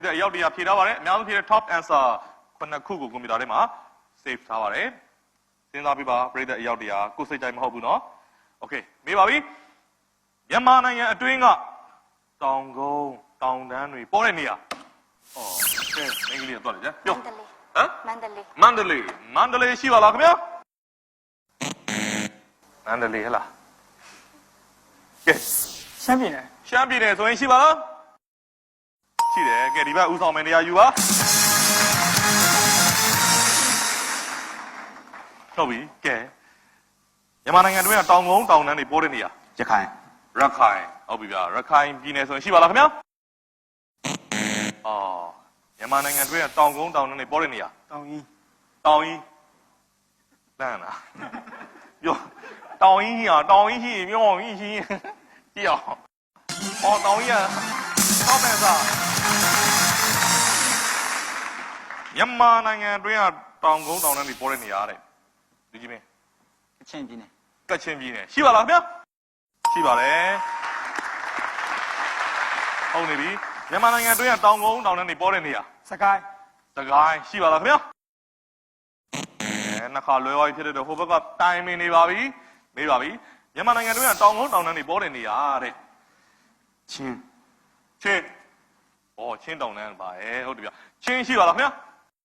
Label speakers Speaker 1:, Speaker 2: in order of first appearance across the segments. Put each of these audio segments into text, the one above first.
Speaker 1: ရောက်တရားဖြေထားပါတယ်အများဆုံးဖြေတဲ့ top answer 9ခုကိုကွန်ပျူတာထဲမှာ save ထားပါတယ်စဉ်းစားပြပါပရိသတ်အရောက်တရားကိုစိတ်တိုင်းမဟုတ်ဘူးနော် okay မေးပါပြီမြန်မာနိုင်ငံအတွင်းကတောင်ကုန်းတောင်တန်းတွေပေါ်တဲ့နေရာဩကဲအင်္ဂလိပ်တော့လေပြောဟမ်မန္တလေးရှိပါလားခင်ဗျာမန္တလေးဟလားကဲ
Speaker 2: ရှမ်းပြည်နယ်
Speaker 1: ဆိုရင်ရှိပါလားရှိတယ်ကဲဒီဘက်ဦးဆောင်မယ်နေရာယူပါဟုတ်ပြီကဲမြန်မာနိုင်ငံတွင်းကတောင်ကုန်းတောင်တန်းတွေပေါ်တဲ့နေရာ
Speaker 2: ရခိုင်
Speaker 1: ဟုတ်ပြီဗျာရခိုင်ပြည်နယ်ဆိုရင်ရှိပါလားခင်ဗျာအော်မြန်မာနိုင်ငံတွင်းကတောင်ကုန်းတောင်တန်းတွေပေါ်တဲ့နေရာ
Speaker 2: တောင်ကြီး
Speaker 1: လမ်းလားပြောတောင်ကြီးရှိပြောကြီးရှိကြည့်အောင်အော်တောင်ကြီးကထောက်ပံ့စားမြန်မာနိုင်ငံတွင်းကတောင်ကုန်းတောင်တန်းတွေပေါ်တဲ့နေရာတဲ့လူကြီးမင်း
Speaker 2: ကချင်ပြည်နယ်
Speaker 1: ရှိပါလားခင်ဗျာရှိပါတယ်ဟုတ်နေပြီမြန်မာနိုင်ငံတွင်းကတောင်ကုန်းတောင်တန်းတွေပေါ်တဲ့နေရာ
Speaker 2: စကိုင်း
Speaker 1: ရှိပါလားခင်ဗျာနှစ်ခါလွဲသွားပြီဖြစ်တဲ့ဟိုဘက်ကတိုင်မင်နေပါပြီမေးပါပြီမြန်မာနိုင်ငံတွင်းကတောင်ကုန်းတောင်တန်းတွေပေါ်တဲ့နေရာတဲ့
Speaker 2: ချင်း
Speaker 1: ချင်းတောင်တန်းပါဟုတ်တယ်ဗျချင်းရှိပါလားခင်ဗျာ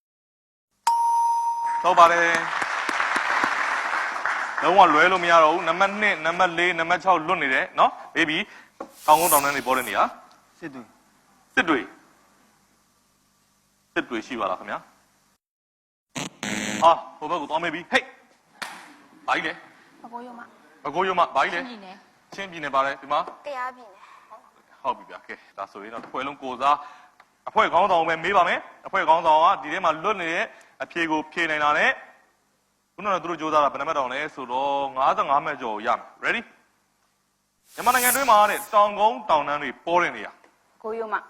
Speaker 1: ဟုတ်ပါတယ်လုံးဝလွဲလို့မရတော့ဘူးနံပါတ်1နံပါတ်4နံပါတ်6လွတ်နေတယ်နော်ဘေးဘီတောင်ကုန်းတောင်တန်းတွေပေါ်တဲ့နေရာ
Speaker 2: စစ်
Speaker 1: တွေရှိပါလားခင်ဗျာဟာဟိုဘက်ကိုသွားမေးပြီဟေးဘာကြီးလဲ
Speaker 3: ဘကိုးရုံ
Speaker 1: မဘာကြီးလဲချင်းပြည်နယ်ပါတယ်ဒီမှာ
Speaker 3: တရားပြည်နယ်
Speaker 1: ဟုတ်ပြီဗျာကဲဒါဆိုရင်တော့တစ်ဖွဲ့လုံးကိုစားအဖွဲ့ခေါင်းဆောင်ပဲမေးပါမယ်အဖွဲ့ခေါင်းဆောင်ကဒီထဲမှာလွတ်နေတဲ့အဖြေကိုဖြေနိုင်တာနဲ့ခုနကသူတို့ကြိုးစားတာဘယ်နှမတ်တောင်လဲဆိုတော့55မှတ်ကျော်ရမယ် ready မြန်မာနိုင်ငံတွင်းမှာတဲ့တောင်ကုန်းတောင်တန်းတွေပေါ်တဲ့နေရာ
Speaker 3: ကိုရုံမ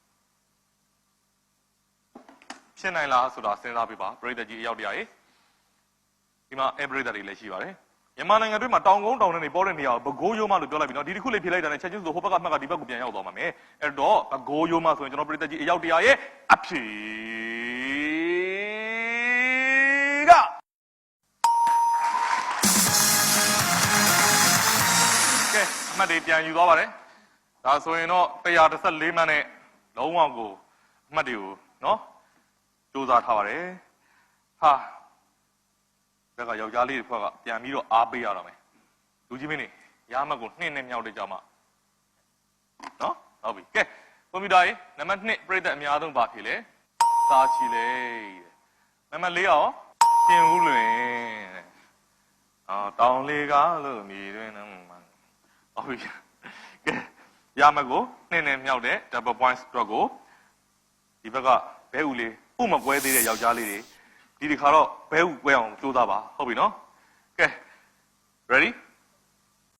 Speaker 1: ဖြစ်နိုင်လားဆိုတာစဉ်းစားပြပါပရိသတ်ကြီးအရောက်တရားကြီးဒီမှာပရိသတ်တွေလည်းရှိပါတယ်မြန်မာနိုင်ငံတွင်းမှာတောင်ကုန်းတောင်တန်းတွေပေါ်တဲ့နေရာကိုဘကိုးရိုးမလို့ပြောလိုက်ပြီနော်ဒီတစ်ခုလေးဖြေလိုက်တာနဲ့ချက်ချင်းဆိုဟိုဘက်ကမှတ်ကဒီဘက်ကိုပြန်ရောက်သွားမှာမယ်အဲ့တော့ဘကိုးရိုးမဆိုရင်ကျွန်တော်ပရိသတ်ကြီးအရောက်တရားရဲ့အဖြေကအမှတ်တွေပြန်ယူသွားပါတယ်ဒါဆိုရင်တော့114မှတ်နဲ့လုံးဝကိုအမှတ်တွေကိုနော်စူးစမ်းထားပါတယ်ဟာဒါကယောက်ျားလေးတွေဖွဲ့ကပြန်ပြီးတော့အားပေးရတော့မယ်လူကြီးမင်းနေရမှတ်ကို2နဲ့မြောက်တဲ့ကြောင်မှနော်ဟုတ်ပြီကဲကွန်ပျူတာရေးနံပါတ်2ပြည့်တဲ့အများဆုံးပါဖြေလေစာချီလေနံပါတ်4ရောပြင်ဦးလွင်တောင်လေးကားလို့မြည်တွင်နော်ဟုတ်ပြီကဲရမှတ်ကို2နဲ့မြောက်တဲ့ double point stroke ကိုဒီဘက်ကဘဲဦးလေးဥမကွဲသေးတဲ့ယောက်ျားလေးတွေဒီတစ်ခါတော့ဘဲဥကွဲအောင်ကြိုးစားပါဟုတ်ပြီနော်ကဲ ready